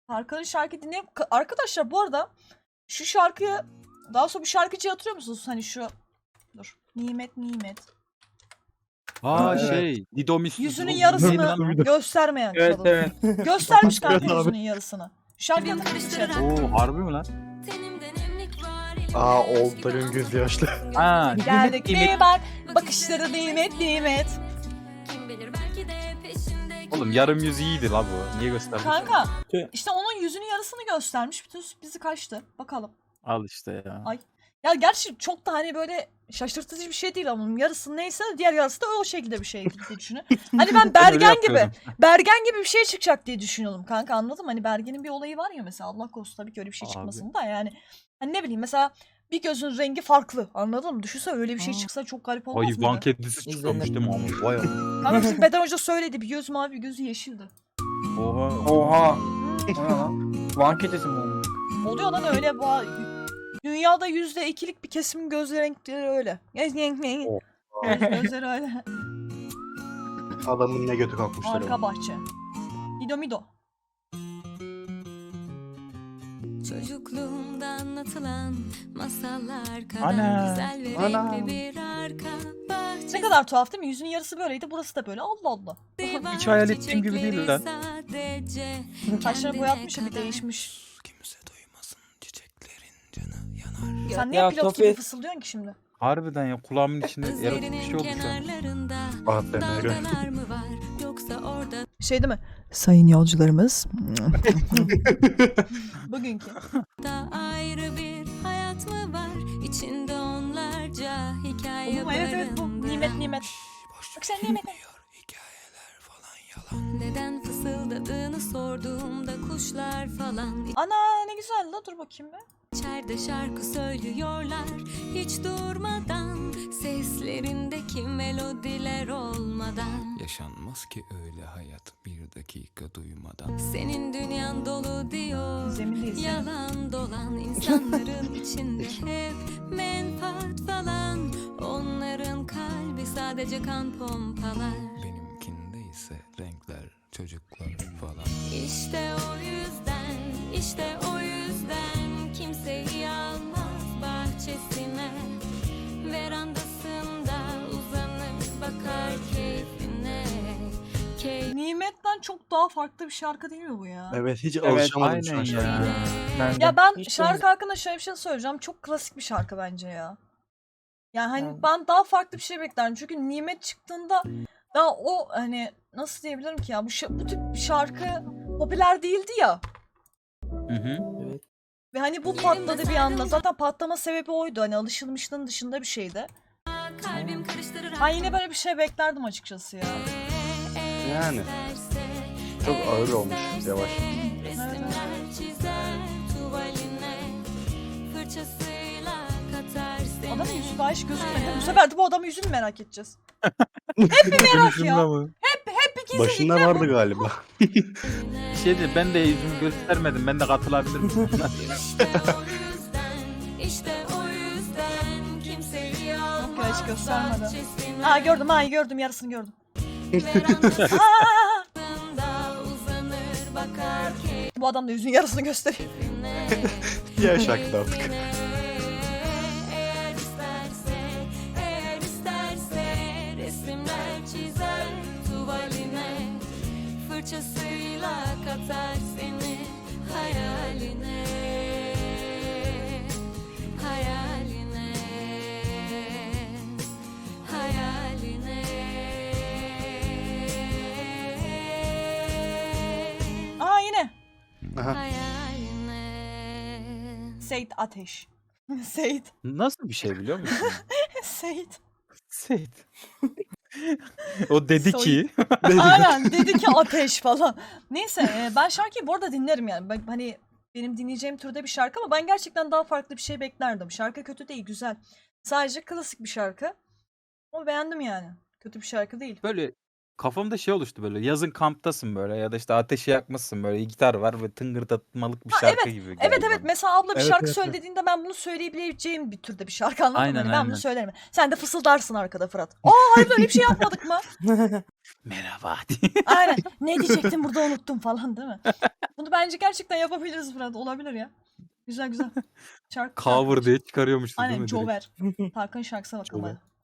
Tarkan'ın şarkı dinleyip... Arkadaşlar bu arada şu şarkıyı... Daha sonra bir şarkıcıyı hatırlıyor musunuz? Hani şu... Dur. Nimet Nimet. Aa Evet. Dido Miss. Yüzünün Neydi yarısını lan o? göstermeyen Evet kadın. evet. Göstermiş kanka Evet abi. yüzünün yarısını. Şarkıyı hatırlıyor musun? Oo harbi mi lan? Aa Oltay'ın gözü yaşlı. Ha, Geldik nimet. bir bak. Bakışları nimet nimet. Oğlum yarım yüz iyiydi la bu. Niye gösterdin? Kanka işte onun yüzünün yarısını göstermiş. Bütün bizi kaçtı. Bakalım. Al işte ya. Ay. Ya gerçi çok da hani böyle şaşırtıcı bir şey değil ama onun yarısı neyse diğer yarısı da o şekilde bir şey diye düşünüyorum. Hani ben Bergen gibi, Bergen gibi bir şey çıkacak diye düşünüyordum kanka, anladın mı? Hani Bergen'in bir olayı var ya mesela, Allah korusun tabii ki öyle bir şey Abi. çıkmasın da yani. Hani ne bileyim mesela bir gözün rengi farklı, anladın mı? Düşünsene öyle bir şey çıksa çok garip olmaz Hayvan mıydı? kedisi çıkıyormuş değil mi ama? Vay Allah. Kanka bizim Beden Hoca söyledi, bir göz mavi bir gözü yeşildi. Oha. Oha. O ne lan? Van kedisi mi oldu? Oluyor lan öyle bu. Dünyada %2'lik bir kesimin göz renkleri öyle. Gözleri öyle. Adamın ne götü kalkmışlar. Arka bahçe. Mido Mido. Çocukluğumda anlatılan masallar kadar Ana, güzel ve ana. renkli bir arka bahçe. Ne kadar tuhaf değil mi? Yüzünün yarısı böyleydi, burası da böyle. Allah Allah. Hiç hayal ettiğim gibi değil lan. Saçlarını boyatmış ya, bir değişmiş. Kimse duymasın çiçeklerin canı yanar. Sen niye Ya pilot gibi Tofi. fısıldıyorsun ki şimdi? Harbiden ya kulağımın içinde erotik bir şey Gözlerinin oldu şu an. kenarlarında Ah be Meryem. dalgalar mı var yoksa orada Şey değil mi? Sayın yolcularımız. Bugünkü. da ayrı bir hayat mı var? İçinde onlarca hikaye Oğlum evet evet bu. Nimet nimet. Bak sen nimet. hikayeler falan yalan. Neden fısıldadığını sorduğumda kuşlar falan Ana ne güzel la, dur bakayım be. içeride şarkı söylüyorlar hiç durmadan, seslerindeki melodiler olmadan. Yaşanmaz ki öyle hayat bir dakika duymadan. Senin dünyan dolu diyor Zemindeyiz. yalan dolan insanların içinde hep menfaat falan. Onların kalbi sadece kan pompalar. Benimkinde ise renkler, çocuklar falan. İşte o yüzden, işte o yüzden kimseyi almaz bahçesine. Verandasında uzanır bakar keyfine. Nimet'ten çok daha farklı bir şarkı değil mi bu ya? Evet hiç Evet alışamadım şu an aynen şarkıya. ya. Ben de. Ya ben Hiç şarkı hakkında şöyle bir şey söyleyeceğim. Çok klasik bir şarkı bence ya. Yani hani Evet. ben daha farklı bir şey beklerdim. Çünkü Nimet çıktığında daha o hani nasıl diyebilirim ki ya, bu tip bir şarkı popüler değildi ya. Hı hı. Ve hani bu patladı bir anda. Zaten patlama sebebi oydu. Hani alışılmışlığın dışında bir şeydi. Kalbim karıştırır. Ben yine böyle bir şey beklerdim açıkçası ya. Yani. Çok ağır olmuş yavaş. Resimler çizer tuvaline, fırçasıyla katar seni. Adamın yüzü daha hiç gözükmedi. Bu sefer de bu adamın yüzünü merak edeceğiz. Hep bir merak ya. Hep ikisi Başında ikna vardı galiba. Bir şey değil, ben de yüzümü göstermedim. Ben de katılabilir miyim? İşte o yüzden kimseyi almaz. Yok ya, hiç göstermedi. bahçesine. Aa gördüm, yarısını gördüm. Verandasında Aa! uzanır bakar Bu adam da yüzünün yarısını gösteriyor. keyfine. Diğer şarkıda artık. Eğer isterse resimler çizer tuvaline, fırçasıyla katar seni hayaline, hayaline, hayaline. Aa yine. Aha. Hayaline. Seyit Ateş. Seyit. Nasıl bir şey biliyor musun? Seyit. Seyit. O dedi ki. Aynen dedi ki ateş falan. Neyse ben şarkıyı bu arada dinlerim yani. Hani benim dinleyeceğim türde bir şarkı ama ben gerçekten daha farklı bir şey beklerdim. Şarkı kötü değil, güzel. Sadece klasik bir şarkı. Ama beğendim yani. Kötü bir şarkı değil. Böyle Kafamda şey oluştu böyle. Yazın kamptasın böyle ya da işte ateşi yakmışsın böyle gitar var ve tıngırdatmalık bir Ha, şarkı gibi geldi Evet bana. mesela abla bir Evet, şarkı evet, evet. söylediğinde ben bunu söyleyebileceğim bir türde bir şarkı, anladın mı? Aynen, Hani ben bunu aynen. söylerim. Sen de fısıldarsın arkada Fırat. Hayır öyle bir şey yapmadık mı? Merhaba diye. Aynen. Ne diyecektim burada unuttum falan değil mi? Bunu bence gerçekten yapabiliriz Fırat. Olabilir ya. Güzel. Şarkı Cover diye çıkarıyormuşsun değil Aynen mi direkt? Jover. Tarkan'ın şarkısına bakın Jover. bana.